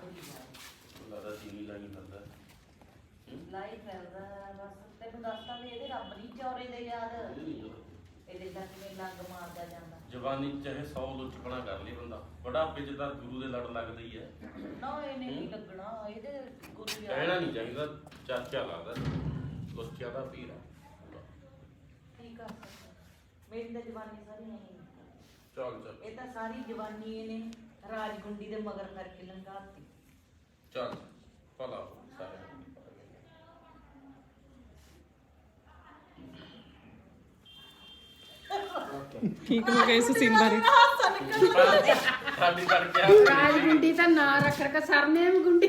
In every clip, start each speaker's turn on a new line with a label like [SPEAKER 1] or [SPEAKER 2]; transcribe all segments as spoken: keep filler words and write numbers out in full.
[SPEAKER 1] ਲੱਗਦਾ ਚੀਨੀ ਲਾਈ ਫਿਰਦਾ
[SPEAKER 2] ਲਾਈ ਫਿਰਦਾ ਬਸ ਤੈਨੂੰ ਦੱਸਦਾ ਵੀ ਇਹਦੇ ਰੱਬ ਨਹੀਂ ਚੌਰੇ ਦੇ ਯਾਦ ਇਹਦੇ ਤਾਂ ਕਿਵੇਂ ਲੰਗ ਮਾਰਦਾ ਜਾਂਦਾ
[SPEAKER 1] ਜਵਾਨੀ ਚਾਹੇ ਸੌ ਲੁੱਚਪਣਾ ਕਰ ਲਈ ਬੰਦਾ ਬੁਢਾਪੇ ਚ ਤਾਂ ਗੁਰੂ ਦੇ ਲੜ ਲੱਗਦਾ ਹੀ ਹੈ
[SPEAKER 2] ਨਾ ਇਹਨੇ ਨਹੀਂ ਲੱਗਣਾ ਇਹਦੇ ਗੁਰੂ ਯਾਦ
[SPEAKER 1] ਕਹਿਣਾ ਨਹੀਂ ਚਾਹੀਦਾ ਚਾਚਾ ਲੱਗਦਾ ਲੁੱਚਿਆ ਦਾ ਪੀਰ ਆ
[SPEAKER 2] ਠੀਕ ਆ ਮੇਰੀ ਤਾਂ ਜਵਾਨੀ ਸਾਰੀ ਨਹੀਂ
[SPEAKER 1] ਚੱਲ ਚੱਲ
[SPEAKER 2] ਇਹ ਤਾਂ ਸਾਰੀ ਜਵਾਨੀ ਇਹਨੇ ਰਾਜਗੁੰਡੀ ਦੇ ਮਗਰ ਕਰਕੇ ਲੰਘਾਤੀ
[SPEAKER 1] ਚੱਲ ਭਲਾ ਹੋ ਸਾਰੇ
[SPEAKER 3] ਠੀਕ ਹੋ ਗਏ ਇਸ ਸੀਨ ਬਾਰੇ
[SPEAKER 1] ਸਾਡੀ ਕਰਕੇ
[SPEAKER 4] ਰਾਜ ਗੁੰਡੀ ਦਾ ਨਾਂ ਰੱਖ ਰੱਖ ਸਰਨੇਮ ਗੁੰਡੀ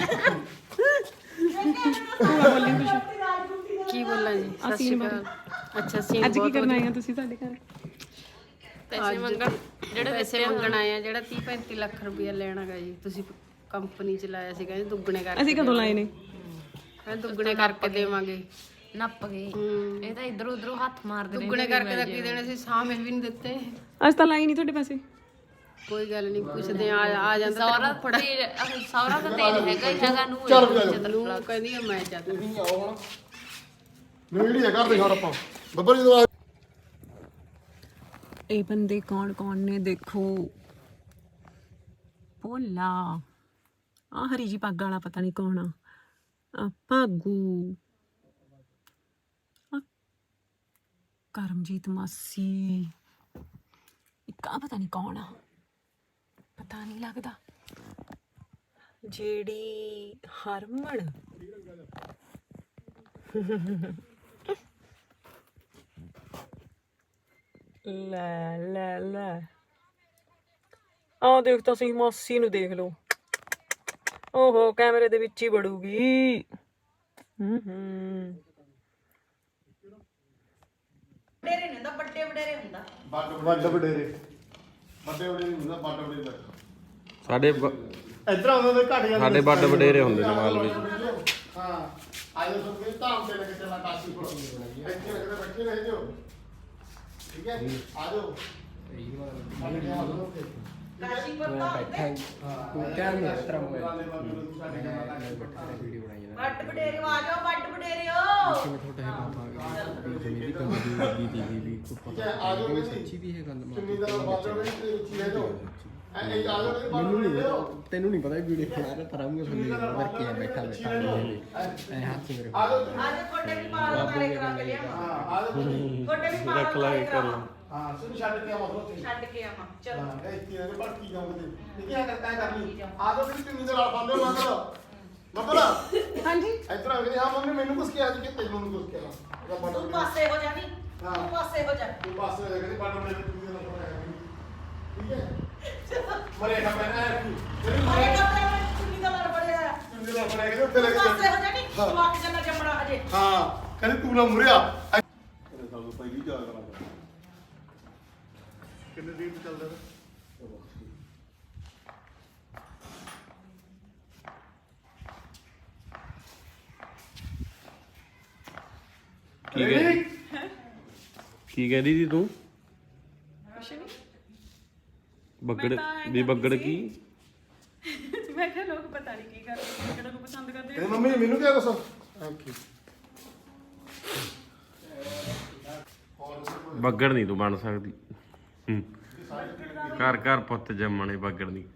[SPEAKER 4] ਕੀ ਬੋਲਾਂ ਜੀ ਸਤਿ ਸ਼੍ਰੀ ਅਕਾਲ ਅੱਛਾ ਸੀਨ
[SPEAKER 3] ਅੱਜ ਕੀ ਕਰਨ ਆਏ ਆ ਤੁਸੀਂ ਸਾਡੇ ਘਰ
[SPEAKER 4] ਪੈਸੇ ਮੰਗਣ ਜਿਹੜੇ ਪੈਸੇ ਮੰਗਣ ਆਏ ਆ ਜਿਹੜਾ ਤੀਹ ਪੈਂਤੀ ਲੱਖ ਰੁਪਇਆ ਲੈਣਾਗਾ ਜੀ ਤੁਸੀਂ ਕੰਪਨੀ ਚ ਲਾਇਆ ਸੀ ਕਹਿੰਦੇ ਦੁੱਗਣੇ ਕਰਕੇ
[SPEAKER 3] ਅਸੀਂ ਕਦੋਂ ਲਾਏ ਨੇ
[SPEAKER 4] ਕਹਿੰਦੇ ਦੁੱਗਣੇ ਕਰਕੇ ਦੇਵਾਂਗੇ
[SPEAKER 5] ਨੱਪ ਗਏ ਇਹ ਤਾਂ ਇਧਰ ਉਧਰੋਂ ਹੱਥ ਮਾਰਦੇ ਨੇ
[SPEAKER 4] ਦੁੱਗਣੇ ਕਰਕੇ ਤਾਂ ਕੀ ਦੇਣੇ ਸੀ ਸਾਹਮਣੇ ਵੀ ਨਹੀਂ ਦਿੱਤੇ
[SPEAKER 3] ਅੱਜ ਤਾਂ ਲਾਈ ਨਹੀਂ ਤੁਹਾਡੇ ਪੈਸੇ
[SPEAKER 4] ਕੋਈ ਗੱਲ ਨਹੀਂ ਪੁੱਛਦੇ ਆ ਆ ਜਾਂਦਾ
[SPEAKER 5] ਸੌਰਾ ਤੇ ਸੌਰਾ ਤਾਂ ਤੇਜ ਹੈਗਾ ਹੀ ਹੈਗਾ ਨੂੰ
[SPEAKER 6] ਚੱਲ ਵੀ
[SPEAKER 4] ਨੂੰ ਕਹਿੰਦੀ ਆ ਮੈਂ ਚੱਲ
[SPEAKER 6] ਤੁਸੀਂ ਆਓ ਹੁਣ ਨਵੀੜੀ ਹੈ ਘਰ ਦੇ ਹੁਣ ਆਪਾਂ ਬੱਬਰ ਜਦੋਂ ਆ
[SPEAKER 3] ਇਹ ਬੰਦੇ ਕੌਣ ਕੌਣ ਨੇ ਦੇਖੋ ਭੋਲਾ ਆ ਹਰੀ ਜੀ ਪੱਗ ਵਾਲਾ ਪਤਾ ਨਹੀਂ ਕੌਣ ਆ ਆ ਭਾਗੂ ਆ ਕਰਮਜੀਤ ਮਾਸੀ ਇੱਕ ਆ ਪਤਾ ਨਹੀਂ ਕੌਣ ਆ ਪਤਾ ਨਹੀਂ ਲੱਗਦਾ ਜਿਹੜੀ ਹਰਮਨ ਲੈ ਲੈ ਲੈ ਆਹ ਦੇਖ ਤਾਂ ਸਹੀ ਮਾਸੀ ਨੂੰ ਦੇਖ ਲਓ ਓਹੋ ਕੈਮਰੇ ਦੇ ਵਿੱਚ ਹੀ ਵੜੂਗੀ ਹੂੰ ਹੂੰ
[SPEAKER 2] ਵਡੇਰੇ ਨਹੀਂ ਹੁੰਦਾ ਵੱਡੇ ਵਡੇਰੇ ਹੁੰਦਾ
[SPEAKER 6] ਵੱਡ ਵੱਡ ਵਡੇਰੇ ਵੱਡੇ ਵਡੇਰੇ ਹੁੰਦਾ ਵੱਡ ਵਡੇਰੇ
[SPEAKER 1] ਸਾਡੇ
[SPEAKER 6] ਇਧਰ ਆਉਂਦੇ ਨੇ ਘਟ ਜਾਂਦੇ
[SPEAKER 1] ਸਾਡੇ ਵੱਡ ਵਡੇਰੇ ਹੁੰਦੇ ਨੇ ਮਾਲਵੇ
[SPEAKER 6] ਹਾਂ ਆਇਓ ਸਭ ਕੇ ਧਾਮ ਤੇ ਲੱਗੇ ਚੱਲਣਾ ਕਾਸ਼ੀ ਕੋਲ ਇੱਥੇ ਲੱਗਦੇ ਬੱਚੇ ਰਹਿ ਜਾਓ ਠੀਕ ਹੈ ਆ ਜਾਓ
[SPEAKER 2] ਕਾਸ਼ੀਪੁਰ ਤਾਂ ਹੁੰਦੇ ਵੱਡ ਵਡੇਰੇ ਆ ਜਾਓ ਵੱਡ ਵਡੇਰੇ
[SPEAKER 6] ਸੱਚੀ ਵੀ ਹੈ ਗੱਲ ਚੁੰਨੀ ਦਾ ਬਾਜਾ ਵਿੱਚ ਰੁਚੀ ਰਹਿ ਜਾਓ ਐ ਆ ਜਾਓ
[SPEAKER 7] ਮੈਨੂੰ ਨਹੀਂ ਤੈਨੂੰ ਨਹੀਂ ਪਤਾ ਵੀਡੀਓ ਬਣਾ ਰਿਹਾ ਤਰਾਂਗੇ ਸੁਣੀ ਵਰ ਕੇ ਬੈਠਾ ਬੈਠਾ ਐ ਹੱਥ ਮੇਰੇ
[SPEAKER 6] ਆ ਜਾਓ
[SPEAKER 2] ਅੱਜ ਤੁਹਾਡੇ ਵੀ ਪਾਰ ਤਾਰੇ ਕਰਾ ਕੇ ਲਿਆਵਾਂ
[SPEAKER 6] ਹਾਂ ਆ ਜਾਓ
[SPEAKER 2] ਤੁਹਾਡੇ ਵੀ ਪਾਰ ਰੱਖ ਲਾਂਗੇ ਕਰ
[SPEAKER 6] ਹਾਂ ਸੁਣ ਛੱਡ ਕੇ ਆਵਾਂ ਉੱਥੇ
[SPEAKER 2] ਛੱਡ ਕੇ ਆਵਾਂ ਚਲੋ
[SPEAKER 6] ਹਾਂ ਇਹ ਕੀ ਨੇ ਭੜਕੀ ਜਾਉਂਦੇ ਇਹ ਕੀ ਕਰਤਾ ਹੈ ਕਰ ਲਈ ਆ ਜਾਓ ਵੀ ਚੁੰਨੀ ਦੇ ਨਾਲ ਬੰਦੇ ਮਤਲਬ ਮਤਲਬ
[SPEAKER 3] ਹਾਂਜੀ
[SPEAKER 6] ਇਧਰ ਆ ਗਏ ਹਾਂ ਮੰਮੀ ਮੈਨੂੰ ਕੁਛ ਕਿਹਾ ਜੀ ਕਿ ਤੈਨੂੰ ਨੂੰ ਕੁਛ ਕਿਹਾ ਉਹਦਾ ਬੰਦਾ
[SPEAKER 2] ਤੂੰ ਪਾਸੇ ਹੋ ਜਾਨੀ ਤੂੰ ਪਾਸੇ ਹੋ ਜਾ
[SPEAKER 6] ਤੂੰ ਪਾਸੇ ਹੋ ਜਾ ਕਹਿੰਦੀ ਬੰਦਾ ਮੇਰੇ ਚੁੰਨੀ ਦੇ ਨਾਲ ਠੀਕ ਹੈ ਮਰੇ ਨਾ ਪੈਣਾ ਹੈ ਕੀ ਤੇਰੀ
[SPEAKER 2] ਅਰੇ
[SPEAKER 6] ਮਰੇ
[SPEAKER 2] ਕੱਪੜੇ ਚੁੰਨੀ ਦਾ ਲੜ ਬੜਿਆ
[SPEAKER 6] ਚੁੰਨੀ ਦੇ ਨਾਲ ਫੜਿਆ ਕਿ ਉੱਥੇ ਲੈ ਕੇ
[SPEAKER 2] ਪਾਸੇ ਹੋ ਜਾਨੀ ਤੂੰ ਅੱਖ ਜੰਨਾ ਜੰਮਣਾ ਹਜੇ
[SPEAKER 6] ਹਾਂ ਕਹਿੰਦੀ ਤੂੰ ਨਾ ਮੁਰਿਆ ਤੇਰੇ ਸਾਲ ਤੋਂ ਪਹਿਲੀ ਜਾ ਕਰਾਂਗਾ ਕਿੰਨੇ ਦਿਨ ਚੱਲਦਾ
[SPEAKER 1] ਕੀ ਕਹਿੰਦੀ ਕੀ ਕਹਿੰਦੀ ਸੀ ਤੂੰ
[SPEAKER 3] ਕੁਛ ਨਹੀਂ
[SPEAKER 1] ਬੱਗੜ
[SPEAKER 3] ਮੈਂ ਤਾਂ ਐਂ
[SPEAKER 1] ਵੀ ਬੱਗੜ ਕੀ
[SPEAKER 3] ਮੈਂ ਕਿਹਾ ਲੋਕ ਪਤਾ ਨਹੀਂ ਕੀ ਕਰਦੇ ਕਿਹੜਾ ਨੂੰ ਪਸੰਦ ਕਰਦੇ
[SPEAKER 6] ਕਹਿੰਦੀ ਮੰਮੀ ਮੈਨੂੰ ਕਿਹਾ ਕੁਛ ਥੈਂਕ ਯੂ
[SPEAKER 1] ਬੱਗੜ ਨਹੀਂ ਤੂੰ ਬਣ ਸਕਦੀ ਹੂੰ ਘਰ ਘਰ ਪੁੱਤ ਜੰਮਣੇ ਬੱਗੜ ਨਹੀਂ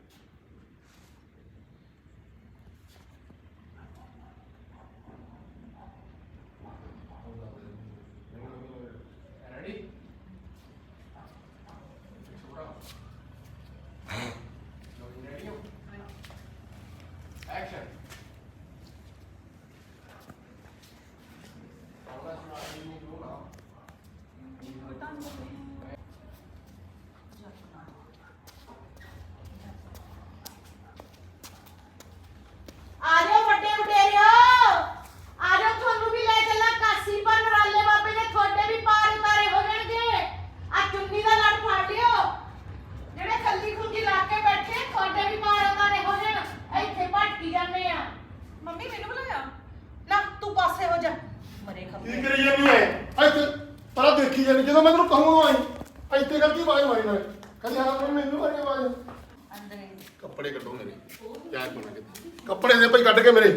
[SPEAKER 2] ਆ ਜਾਓ ਵੱਡੇ ਵਡੇਰਿਓ ਆ ਜਾਓ ਤੁਹਾਨੂੰ ਵੀ ਲੈ ਚੱਲਾਂ ਕਾਸੀ ਪਰ ਨਰਾਲੇ ਬਾਬੇ ਦੇ ਤੁਹਾਡੇ ਵੀ ਪਾਰ ਉਤਾਰੇ ਹੋ ਜਾਣਗੇ ਆ ਚੁੰਨੀ ਦਾ ਲੜ ਫੜ ਲਿਓ ਜਿਹੜੇ ਕੱਲੀ ਖੁੰਜੀ ਲਾ ਕੇ ਬੈਠੇ ਤੁਹਾਡੇ ਵੀ ਪਾਰ ਉਤਾਰੇ ਹੋ ਜਾਣ ਇੱਥੇ ਭਟਕੀ ਜਾਂਦੇ ਆ ਮੰਮੀ ਮੈਨੂੰ ਬੁਲਾਇਆ ਨਾ ਤੂੰ ਪਾਸੇ ਹੋ ਜਾ ਮਰੇ
[SPEAKER 6] ਕੀ
[SPEAKER 2] ਖੱਪੇ
[SPEAKER 6] ਕਰੀ ਜਾਂਦੀ ਹੈ ਇੱਥੇ ਪਰਾਂ ਦੇਖੀ ਜਾਂਦੀ ਜਦੋਂ ਮੈਂ ਤੈਨੂੰ ਕਹੂੰਗਾ ਆਈ ਇੱਥੇ ਕਰਕੇ ਆਵਾਜ਼ ਮਾਰੀ ਨਾ ਕਹਿੰਦੀ ਹਾਂ ਮੰਮੀ ਮੈਨੂੰ ਮਾਰੀ ਆਵਾਜ਼
[SPEAKER 2] ਅੰਦਰ
[SPEAKER 6] ਕੱਪੜੇ ਕੱਢੋ ਮੇਰੇ ਗਾਇਬ ਹੋਣਾ ਕਿਤੇ ਕੱਪੜੇ ਦੇ ਭਾਈ ਕੱਢ ਕੇ ਮੇਰੇ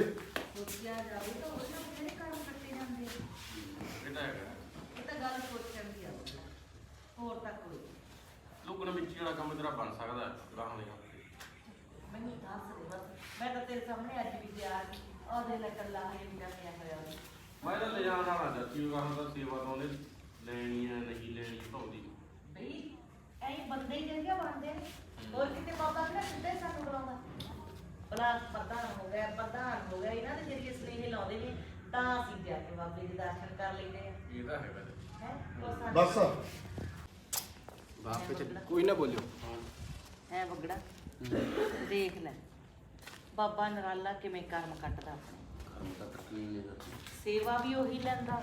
[SPEAKER 1] ਲੁਕਣ ਵਿੱਚ ਜਿਹੜਾ ਕੰਮ ਤੇਰਾ ਬਣ ਸਕਦਾ ਗਾਹਾਂ ਦੇ
[SPEAKER 2] ਮੈਨੂੰ ਦੱਸ ਦੇ ਬਸ ਮੈਂ ਤਾਂ ਤੇਰੇ ਸਾਹਮਣੇ ਅੱਜ ਵੀ ਤਿਆਰ ਸੀ ਉਹਦੇ ਨਾਲ ਕੱਲਾ ਹੈ ਵੀ ਪਿਆ ਹੋਇਆ ਉਹਨੇ।
[SPEAKER 1] ਮੈਂ ਤਾਂ ਲੈ ਜਾਣ ਵਾਲਾ ਚਾਚੀ ਗਾਹਾਂ ਦਾ ਸੇਵਾ ਤਾਂ ਉਹਨੇ ਲੈਣੀ ਹੈ ਨਹੀਂ ਲੈਣੀ ਭਾਉਂਦੀ
[SPEAKER 2] ਬਈ ਐਂ ਬੰਦੇ ਹੀ ਜਿਹੜੀਆਂ ਬਣਦੇ ਨੇ ਹੋਰ ਕਿਤੇ ਬਾਬਾ ਕਿਹੜਾ ਸਿੱਧੇ ਸਾਨੂੰ ਬੁਲਾਉਂਦਾ ਭਲਾ ਪ੍ਰਧਾਨ ਹੋ ਗਿਆ ਪ੍ਰਧਾਨ ਹੋ ਗਿਆ ਇਹਨਾਂ ਦੇ ਜਰੀਏ ਸਨੇਹ ਲਾਉਂਦੇ ਨੇ ਤਾਂ ਅਸੀਂ ਜਾ ਕੇ ਬਾਬੇ ਦੇ ਦਰਸ਼ਨ ਕਰ ਲੈਂਦੇ ਆ
[SPEAKER 1] ਇਹ ਤਾਂ ਹੈਗਾ
[SPEAKER 2] ਹੈ
[SPEAKER 6] ਬਸ
[SPEAKER 7] ਬਾਪ ਚ ਕੋਈ ਨਾ ਬੋਲਿਓ
[SPEAKER 2] ਹੈ ਵਗੜਾ ਦੇਖ ਲੈ ਬਾਬਾ ਨਰਾਲਾ ਕਿਵੇਂ ਕਰਮ ਕੱਟਦਾ ਆਪਣੇ
[SPEAKER 1] ਕੰਮ ਤਾਂ ਤਕਲੀਫ ਨਹੀਂ ਜਾਂਦੀ
[SPEAKER 2] ਸੇਵਾ ਵੀ ਉਹੀ ਲੈਂਦਾ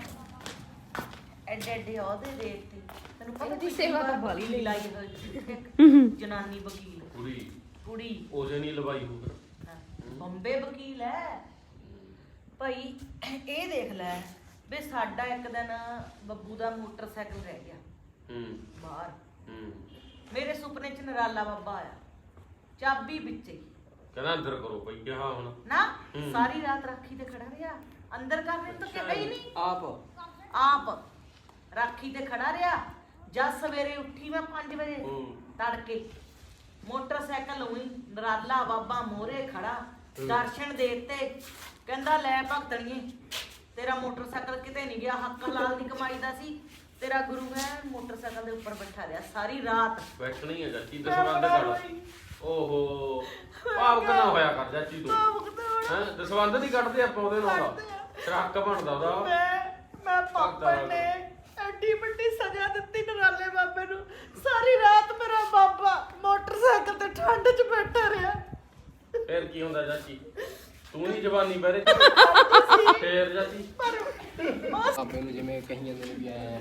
[SPEAKER 2] ਐਡੇ ਐਡੇ ਉਹਦੇ ਦੇਖ ਤੇ ਤੈਨੂੰ ਪਤਾ
[SPEAKER 5] ਇਹਦੀ ਸੇਵਾ ਤਾਂ ਬਾਹਲੀ
[SPEAKER 2] ਲਈ ਲਾਈ ਹੋਈ ਜਨਾਨੀ ਵਕੀਲ
[SPEAKER 1] ਕੁੜੀ
[SPEAKER 2] ਕੁੜੀ
[SPEAKER 1] ਉਹਦੇ ਨਹੀਂ ਲਵਾਈ ਹੋ ਫਿਰ
[SPEAKER 2] ਹਾਂ, ਬੰਬੇ ਵਕੀਲ ਹੈ ਭਾਈ ਇਹ ਦੇਖ ਲੈ ਵੀ ਸਾਡਾ ਇੱਕ ਦਿਨ ਬੱਬੂ ਦਾ ਮੋਟਰਸਾਈਕਲ ਰਹਿ ਗਿਆ
[SPEAKER 1] ਹੂੰ
[SPEAKER 2] ਬਾਹਰ
[SPEAKER 1] ਹੂੰ
[SPEAKER 2] ਮੇਰੇ ਸੁਪਨੇ ਚ ਨਰਾਲਾ ਬਾਬਾ ਆਇਆ ਚਾਬੀ ਵਿੱਚੇ ਹੀ।
[SPEAKER 1] ਕਹਿੰਦਾ ਅੰਦਰ ਕਰੋ ਬਈ ਕਿਹਾ ਹੁਣ
[SPEAKER 2] ਨਾ ਸਾਰੀ ਰਾਤ ਰਾਖੀ ਤੇ ਖੜਾ ਰਿਹਾ ਅੰਦਰ ਕਰਨੇ ਤਾਂ ਕਿਹਾ ਹੀ ਨਹੀਂ
[SPEAKER 7] ਆਪ
[SPEAKER 2] ਆਪ ਰਾਖੀ ਤੇ ਖੜਾ ਰਿਹਾ ਜਦ ਸਵੇਰੇ ਉੱਠੀ ਮੈਂ ਪੰਜ ਵਜੇ
[SPEAKER 1] ਹੂੰ
[SPEAKER 2] ਤੜਕੇ ਮੋਟਰਸਾਈਕਲ ਉਹੀ ਨਰਾਲਾ ਬਾਬਾ ਮੋਰੇ ਖੜਾ ਦਰਸ਼ਨ ਦੇਤੇ ਕਹਿੰਦਾ ਲੈ ਭਗਤਣੀਏ ਤੇਰਾ ਮੋਟਰਸਾਈਕਲ ਕਿਤੇ ਨਹੀਂ ਗਿਆ ਹੱਕ ਲਾਲ ਦੀ ਕਮਾਈ ਦਾ ਸੀ ਤੇਰਾ ਗੁਰੂ ਹੈ ਮੋਟਰਸਾਈਕਲ ਦੇ ਉੱਪਰ ਬੈਠਾ ਰਿਹਾ ਸਾਰੀ ਰਾਤ
[SPEAKER 1] ਬੈਠਣੀ ਹੈ ਚਾਚੀ ਦਸਵੰਦ ਕਰ ਓਹੋ ਭਾਵ ਨਾ ਹੋਇਆ ਕਰ ਚਾਚੀ ਤੂੰ ਹੈ ਦਸਵੰਦ ਨਹੀਂ ਕੱਢਦੇ ਆਪਾਂ ਉਹਦੇ ਨਾਲ ਟਰੱਕ ਬਣਦਾ ਉਹਦਾ
[SPEAKER 2] ਮੈਂ ਮੈਂ ਪਾਪਾ ਨੇ ਐਡੀ ਵੱਡੀ ਸਜ਼ਾ ਦਿੱਤੀ ਨਰਾਲੇ ਬਾਬੇ ਨੂੰ ਸਾਰੀ ਰਾਤ ਮੇਰਾ ਬਾਬਾ ਮੋਟਰਸਾਈਕਲ ਤੇ ਠੰਡ 'ਚ ਬੈਠਾ ਰਿਹਾ
[SPEAKER 1] ਫੇਰ ਕੀ ਹੁੰਦਾ ਚਾਚੀ ਤੂੰ ਨਹੀਂ ਜਵਾਨੀ ਬਹਿਰੇ ਫੇਰ ਚਾਚੀ
[SPEAKER 7] ਬਾਬੇ ਨੂੰ ਜਿਵੇਂ ਕਹੀ ਜਾਂਦੇ ਨੇ ਵੀ ਐ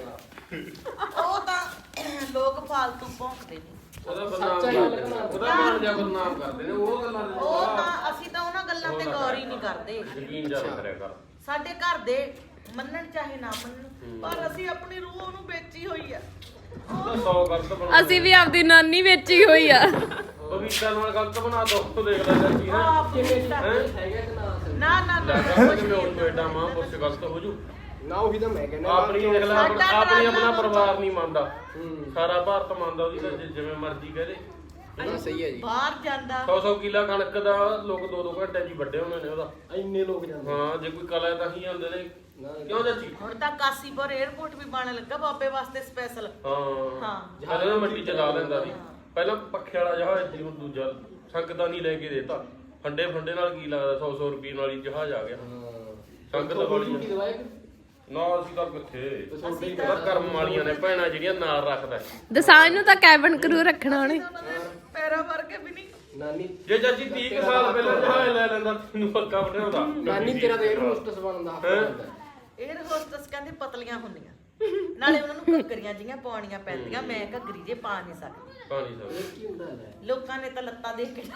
[SPEAKER 7] ਬਾਹਰ
[SPEAKER 2] ਉਹ ਤਾਂ ਲੋਕ ਫਾਲਤੂ ਭੌਂਕਦੇ ਨੇ
[SPEAKER 1] ਉਹਦਾ ਬਦਨਾਮ ਉਹਦਾ ਮਾਣ ਜਾ ਬਦਨਾਮ ਕਰਦੇ ਨੇ ਉਹ ਗੱਲਾਂ ਦੇ
[SPEAKER 2] ਉਹ ਤਾਂ ਅਸੀਂ ਤਾਂ ਉਹਨਾਂ ਗੱਲਾਂ ਤੇ ਗੌਰ ਹੀ ਨਹੀਂ ਕਰਦੇ
[SPEAKER 1] ਯਕੀਨ ਜਾ ਕਰਿਆ ਕਰ
[SPEAKER 2] ਸਾਡੇ ਘਰ ਦੇ ਮੰਨਣ ਚਾਹੇ ਨਾ ਮੰਨਣ ਪਰ ਅਸੀਂ ਆਪਣੀ ਰੂਹ ਉਹਨੂੰ ਵੇਚੀ ਹੋਈ ਆ
[SPEAKER 1] ਉਹਦਾ ਸੌ ਗਲਤ ਬਣਾ
[SPEAKER 5] ਅਸੀਂ ਵੀ ਆਪਦੀ ਨਾਨੀ ਵੇਚੀ ਹੋਈ ਆ
[SPEAKER 1] ਪਵਿੱਤਰ ਨਾਲ ਗਲਤ ਬਣਾ ਦੋ ਤੂੰ ਦੇਖ ਲੈ ਚਾਚੀ ਹੈ
[SPEAKER 2] ਆਪ ਕਿਵੇਂ
[SPEAKER 7] ਹੈਗਾ ਕਿ ਨਾ
[SPEAKER 2] ਨਾ ਨਾ ਨਾ
[SPEAKER 1] ਲੱਗਦਾ ਕਿ ਮੈਂ ਉਹ ਐਡਾ ਮਾਂ ਪੁੱਛ ਗਲਤ ਹੋ ਜੂ
[SPEAKER 7] ਨਾ ਉਹੀ ਤਾਂ ਮੈਂ ਕਹਿੰਦਾ
[SPEAKER 1] ਆਪਣੀ ਦੇਖ ਲੈ ਆਪਣਾ-
[SPEAKER 2] ਸਾਡਾ
[SPEAKER 1] ਆਪਣੀ ਆਪਣਾ
[SPEAKER 2] ਘਰਾਣਾ
[SPEAKER 1] ਪਰਿਵਾਰ ਨਹੀਂ ਮੰਨਦਾ
[SPEAKER 7] ਹੂੰ
[SPEAKER 1] ਸਾਰਾ ਭਾਰਤ ਮੰਨਦਾ ਉਹਦੀ ਤਾਂ ਜਿ- ਜਿਵੇਂ ਮਰਜ਼ੀ ਕਹਦੇ
[SPEAKER 7] ਨਾ ਸਹੀ ਹੈ ਜੀ
[SPEAKER 2] ਬਾਹਰ ਜਾਂਦਾ
[SPEAKER 1] ਸੌ ਸੌ ਕਿੱਲਾ ਕਣਕ ਦਾ ਲੋਕ ਦੋ ਦੋ ਘੰਟੇ ਜੀ ਵੱਡੇ ਹੋਣੇ ਨੇ ਉਹਦਾ
[SPEAKER 7] ਇੰਨੇ ਲੋਕ ਜਾਂਦੇ
[SPEAKER 1] ਹਾਂ ਜੇ ਕੋਈ ਕਲਾ ਤਾਂ ਹੀ ਆਉਂਦੇ ਨੇ
[SPEAKER 7] ਨਾ
[SPEAKER 1] ਕਿਉਂ ਚਾਚੀ
[SPEAKER 2] ਹੁਣ ਤਾਂ ਕਾਸੀਪੁਰ 에ਅਰਪੋਰਟ ਵੀ ਬਣਨ ਲੱਗਾ ਬਾਬੇ ਵਾਸਤੇ ਸਪੈਸ਼ਲ
[SPEAKER 1] ਹਾਂ
[SPEAKER 2] ਹਾਂ
[SPEAKER 1] ਜਹਾਜ਼ ਨਾ ਮਿੱਟੀ ਚਲਾ ਲੈਂਦਾ ਸੀ ਪਹਿਲਾਂ ਪੱਖੇ ਵਾਲਾ ਜਹਾਜ਼ ਸੀ ਹੁਣ ਦੂਜਾ ਸੰਗਤਾਂ ਨਹੀਂ ਲੈ ਕੇ ਦੇਤਾ ਫੰਡੇ ਫੰਡੇ ਨਾਲ ਕੀ ਲੱਗਦਾ ਸੌ ਸੌ ਰੁਪਏ ਨਾਲ ਹੀ ਜਹਾਜ਼ ਆ ਗਿਆ ਸੰਗਤ ਵਾਲੀ
[SPEAKER 7] ਕੀ ਦਵਾਇਆ
[SPEAKER 1] ਨਾ ਅਸੀਂ ਤਾਂ ਕਿੱਥੇ ਅਸੀਂ ਤਾਂ ਕਰਮ ਵਾਲੀਆਂ ਨੇ ਭੈਣਾਂ ਜਿਹੜੀਆਂ ਨਾਲ ਰੱਖਦਾ
[SPEAKER 5] ਦਸਾਂਝ ਨੂੰ ਤਾਂ ਕੈਬਨ ਕਰੂ ਰੱਖਣਾ ਉਹਨੇ
[SPEAKER 2] ਪੈਰਾ ਵਰਗੇ ਵੀ ਨਹੀਂ
[SPEAKER 7] ਨਾਨੀ
[SPEAKER 1] ਜੇ ਚਾਚੀ ਤੀਹ ਕੁ ਸਾਲ ਪਹਿਲਾਂ ਜਹਾਜ਼ ਲੈ ਲੈਂਦਾ ਤੈਨੂੰ ਪੱਕਾ ਬਣਾਉਂਦਾ
[SPEAKER 7] ਨਾਨੀ ਤੇਰਾ ਤਾਂ 에ਅਰ ਹੋਸਟਸ ਬਣਨ ਦਾ ਹੱਕ ਹੁੰਦਾ
[SPEAKER 2] 에ਅਰ ਹੋਸਟਸ ਕਹਿੰਦੇ ਪਤਲੀਆਂ ਹੁੰਦੀਆਂ ਨਾਲੇ ਉਹਨਾਂ ਨੂੰ ਘੱਗਰੀਆਂ ਜੀਆਂ ਪਾਉਣੀਆਂ ਪੈਂਦੀਆਂ ਮੈਂ ਘੱਗਰੀ ਜੇ ਪਾ ਨਹੀਂ ਸਕਦੀ
[SPEAKER 1] ਪਾਣੀ ਸਾਹਿਬ
[SPEAKER 7] ਕੀ ਹੁੰਦਾ ਹੈ
[SPEAKER 2] ਲੋਕਾਂ ਨੇ ਤਾਂ ਲੱਤਾਂ ਦੇਖ ਕੇ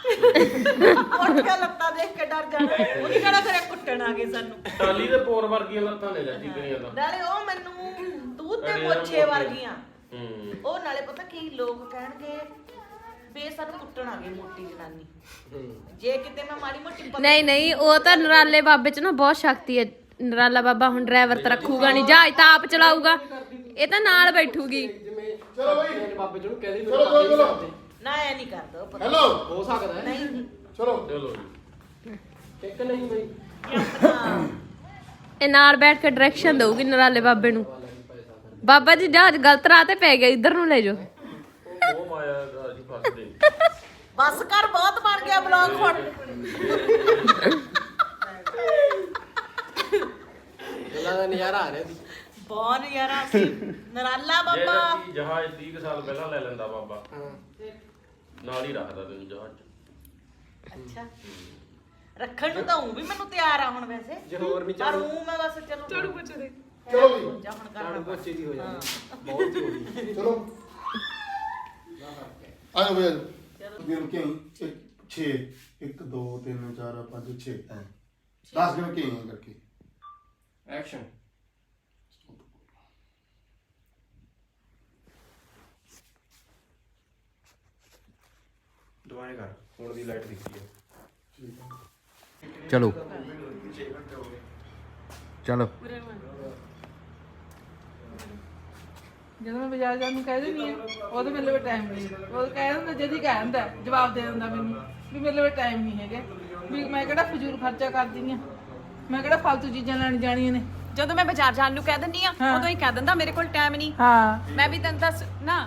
[SPEAKER 2] ਉੱਠ ਕੇ ਲੱਤਾਂ ਦੇਖ ਕੇ ਡਰ ਜਾਣਾ ਉਹਨੇ ਕਿਹੜਾ ਕਰਿਆ ਕੁੱਟਣ ਆ ਗਏ ਸਾਨੂੰ
[SPEAKER 1] ਟਾਲੀ ਦੇ ਪੋਰ ਵਰਗੀਆਂ ਲੱਤਾਂ ਨੇ ਚਾਚੀ ਕਰੀਆਂ ਤਾਂ
[SPEAKER 2] ਨਾਲੇ ਉਹ ਮੈਨੂੰ ਤੂੰ ਤੇ ਮੋਛੇ ਵਰਗੀਆਂ
[SPEAKER 1] ਹੂੰ
[SPEAKER 2] ਉਹ ਨਾਲੇ ਪਤਾ ਕੀ ਲੋਕ ਕਹਿਣਗੇ ਬੇ ਸਾਨੂੰ ਕੁੱਟਣ ਆ ਗਈ ਮੋਟੀ ਜਨਾਨੀ ਜੇ ਕਿਤੇ ਮੈਂ ਮਾੜੀ ਮੋਟੀ ਪਤਲੀ-
[SPEAKER 5] ਨਹੀਂ ਨਹੀਂ ਉਹ ਤਾਂ ਨਰਾਲੇ ਬਾਬੇ ਚ ਨਾ ਬਹੁਤ ਸ਼ਕਤੀ ਹੈ ਨਰਾਲਾ ਬਾਬਾ ਹੁਣ ਡਰਾਈਵਰ ਤਾਂ ਰੱਖੂਗਾ ਨਹੀਂ ਜਹਾਜ਼ ਤਾਂ ਆਪ ਚਲਾਊਗਾ ਇਹ ਤਾਂ ਨਾਲ ਬੈਠੂਗੀ
[SPEAKER 7] ਜਿਵੇਂ
[SPEAKER 6] ਚਲੋ ਬਈ
[SPEAKER 7] ਮੇਰੇ ਬਾਬੇ ਜੀ ਨੂੰ ਕਹਿ ਦੇ
[SPEAKER 6] ਚਲੋ, ਚਲੋ, ਚਲੋ।
[SPEAKER 2] ਨਾ ਐ ਨਹੀਂ ਕਰਦਾ ਉਹ ਪਤਾ
[SPEAKER 6] ਹੈਲੋ
[SPEAKER 7] ਹੋ ਸਕਦਾ ਹੈ
[SPEAKER 2] ਨਹੀਂ ਨਹੀਂ
[SPEAKER 6] ਚਲੋ
[SPEAKER 1] ਚਲੋ ਜੀ
[SPEAKER 7] ਇੱਕ ਨਹੀਂ ਬਈ
[SPEAKER 2] ਇਹ ਆਪਣਾ
[SPEAKER 5] ਇਹ ਨਾਲ ਬੈਠ ਕੇ ਡਾਇਰੈਕਸ਼ਨ ਦਊਗੀ ਨਰਾਲੇ ਬਾਬੇ ਨੂੰ ਬਾਬਾ ਜੀ ਜਹਾਜ਼ ਗਲਤ ਰਾਹ ਤੇ ਪੈ ਗਿਆ ਇੱਧਰ ਨੂੰ ਲੈ ਜਾਓ
[SPEAKER 1] ਉਹ ਉਹ ਮਾਇਆ ਦਾ ਅਸੀਂ ਫਸਦੇ ਨੀ।
[SPEAKER 2] ਬਸ ਕਰ ਬਹੁਤ ਬਣ ਗਿਆ ਬਲੌਗ ਹੁਣ
[SPEAKER 7] ਗੱਲਾਂ ਦਾ ਨਜ਼ਾਰਾ ਆ ਰਿਹਾ ਸੀ
[SPEAKER 2] ਬਹੁਤ ਯਾਰਾ ਸੀ ਨਰਾਲਾ
[SPEAKER 1] ਜੇ
[SPEAKER 2] ਬਾਬਾ
[SPEAKER 1] ਚਾਚੀ ਜਹਾਜ਼ ਤੀਹ ਕੁ ਸਾਲ ਪਹਿਲਾਂ ਲੈ ਲੈਂਦਾ ਬਾਬਾ
[SPEAKER 7] ਹਾਂ
[SPEAKER 1] ਨਾਲ ਹੀ ਰੱਖਦਾ ਤੈਨੂੰ ਜਹਾਜ਼ 'ਚ
[SPEAKER 2] ਅੱਛਾ ਰੱਖਣ ਨੂੰ ਤਾਂ ਹੂੰ ਵੀ ਮੈਨੂੰ ਤਿਆਰ ਆ ਹੁਣ ਵੈਸੇ
[SPEAKER 7] ਜੇ ਹੋਰ ਨਹੀਂ
[SPEAKER 2] ਪਰ
[SPEAKER 7] ਝਾੜੂ
[SPEAKER 2] ਹੂੰ ਮੈਂ ਬਸ ਚਲੋ ਝਾੜੂ ਪੁੱਛ ਦੇ
[SPEAKER 6] ਚਲੋ ਬਈ
[SPEAKER 2] ਜਾ ਹੁਣ
[SPEAKER 7] ਝਾੜੂ
[SPEAKER 2] ਕਰਨਾ
[SPEAKER 7] ਪੋਚੇ ਦੀ ਹੋ ਜਾਂਦੀ ਬਹੁਤ ਹੀ ਹੋ ਗਈ
[SPEAKER 6] ਚਲੋ ਆ ਜਾਓ ਬਈ ਗਿਣ ਕੇ ਆਈ ਛੇ ਇੱਕ ਦੋ ਤਿੰਨ ਚਾਰ ਪੰਜ ਛੇ ਦਸ ਗਿਣ ਕੇ ਆਈ ਕਰਕੇ
[SPEAKER 7] ਐਕਸ਼ਨ ਦੁਬਾਰਾ ਕਰ
[SPEAKER 1] ਹੁਣ ਦੀ ਲਾਈਟ ਦਿੱਤੀ ਹੈ।
[SPEAKER 7] ਚਲੋ ਚਲੋ
[SPEAKER 8] ਜਦੋਂ ਮੈਂ ਬਾਜ਼ਾਰ ਜਾਣ ਨੂੰ ਕਹਿ ਦਿੰਦੀ ਆ ਉਹਦੇ ਮੇਰੇ ਲਈ ਟਾਈਮ ਨਹੀਂ ਉਹ ਕਹਿ ਦਿੰਦਾ ਜਦੀ ਕਹਿ ਦਿੰਦਾ ਜਵਾਬ ਦੇ ਦਿੰਦਾ ਮੈਨੂੰ ਵੀ ਮੇਰੇ ਲਈ ਟਾਈਮ ਨਹੀਂ ਹੈਗਾ ਵੀ ਮੈਂ ਕਿਹੜਾ ਫਜ਼ੂਲ ਖਰਚਾ ਕਰਦੀ ਆ ਮੈਂ ਕਿਹੜਾ ਫालतू ਚੀਜ਼ਾਂ ਲੈਣ ਜਾਣੀਆਂ ਨੇ
[SPEAKER 3] ਜਦੋਂ ਮੈਂ ਬਾਜ਼ਾਰ ਜਾਣ ਨੂੰ ਕਹਿ ਦਿੰਨੀ ਆ ਉਦੋਂ ਹੀ ਕਹਿ ਦਿੰਦਾ ਮੇਰੇ ਕੋਲ ਟਾਈਮ ਨਹੀਂ
[SPEAKER 8] ਹਾਂ
[SPEAKER 3] ਮੈਂ ਵੀ ਤੈਨੂੰ ਦੱਸ ਨਾ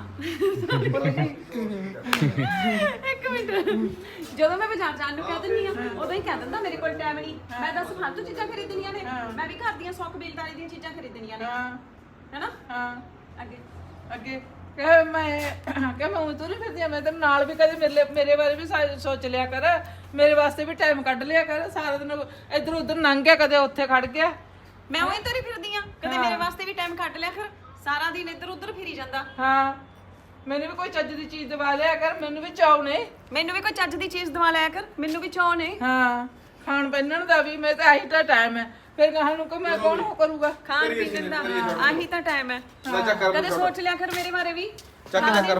[SPEAKER 3] ਇੱਕ ਮਿੰਟ ਜਦੋਂ ਮੈਂ ਬਾਜ਼ਾਰ ਜਾਣ ਨੂੰ ਕਹਿ ਦਿੰਨੀ ਆ ਉਦੋਂ ਹੀ ਕਹਿ ਦਿੰਦਾ ਮੇਰੇ ਕੋਲ ਟਾਈਮ ਨਹੀਂ ਮੈਂ ਦੱਸ ਫालतू ਚੀਜ਼ਾਂ ਖਰੀਦਣੀਆਂ ਨੇ ਮੈਂ ਵੀ ਘਰ ਦੀਆਂ ਸੌ ਕਬੀਲਦਾਰੀ ਦੀਆਂ ਚੀਜ਼ਾਂ ਖਰੀਦਣੀਆਂ ਨੇ
[SPEAKER 8] ਹਾਂ
[SPEAKER 3] ਹੈਨਾ
[SPEAKER 8] ਹਾਂ
[SPEAKER 3] ਅੱਗੇ
[SPEAKER 8] ਅੱਗੇ ਕਹੇ ਮੈਂ ਕਹੇ ਮੈਂ ਉਂ ਤੁਰੀ ਫਿਰਦੀ ਆ ਮੈਂ ਤੇਰੇ ਨਾਲ ਵੀ ਕਦੇ ਮੇਰੇ ਲਈ- ਮੇਰੇ ਬਾਰੇ ਵੀ ਸਾ- ਸੋਚ ਲਿਆ ਕਰ ਮੇਰੇ ਵਾਸਤੇ ਵੀ ਟਾਈਮ ਕੱਢ ਲਿਆ ਕਰ ਸਾਰਾ ਦਿਨ ਇੱਧਰ ਉੱਧਰ ਲੰਘ ਗਿਆ ਕਦੇ ਉੱਥੇ ਖੜ ਗਿਆ
[SPEAKER 3] ਮੈਂ ਉਹੀ ਤੁਰੀ ਫਿਰਦੀ ਆ ਕਦੇ ਮੇਰੇ ਵਾਸਤੇ ਵੀ ਟਾਈਮ ਕੱਢ ਲਿਆ ਕਰ ਸਾਰਾ ਦਿਨ ਇੱਧਰ ਉੱਧਰ ਫਿਰੀ ਜਾਂਦਾ
[SPEAKER 8] ਹਾਂ ਮੈਨੂੰ ਵੀ ਕੋਈ ਚੱਜ ਦੀ ਚੀਜ਼ ਦਵਾ ਲਿਆ ਕਰ ਮੈਨੂੰ ਵੀ ਚਾਅ ਨੇ
[SPEAKER 3] ਮੈਨੂੰ ਵੀ ਕੋਈ ਚੱਜ ਦੀ ਚੀਜ਼ ਦਵਾ ਲਿਆ ਕਰ ਮੈਨੂੰ ਵੀ ਚਾਅ ਨੇ
[SPEAKER 8] ਹਾਂ ਖਾਣ ਪਹਿਨਣ ਦਾ ਵੀ ਮੈਂ ਤਾਂ ਆਹੀ ਤਾਂ ਟਾਈਮ ਹੈ ਫਿਰ ਕਹਾਂ ਨੂੰ ਕੋਈ ਮੈਂ ਕੌਣ ਹੋ ਕਰੂਗਾ
[SPEAKER 3] ਖਾਣ ਪੀਣ ਦਾ ਆਹੀ ਤਾਂ ਟਾਈਮ ਹੈ ਕਦੇ ਸੋਚ ਲਿਆ ਕਰ ਮੇਰੇ ਬਾਰੇ ਵੀ
[SPEAKER 7] ਚੱਕ ਚੱਕ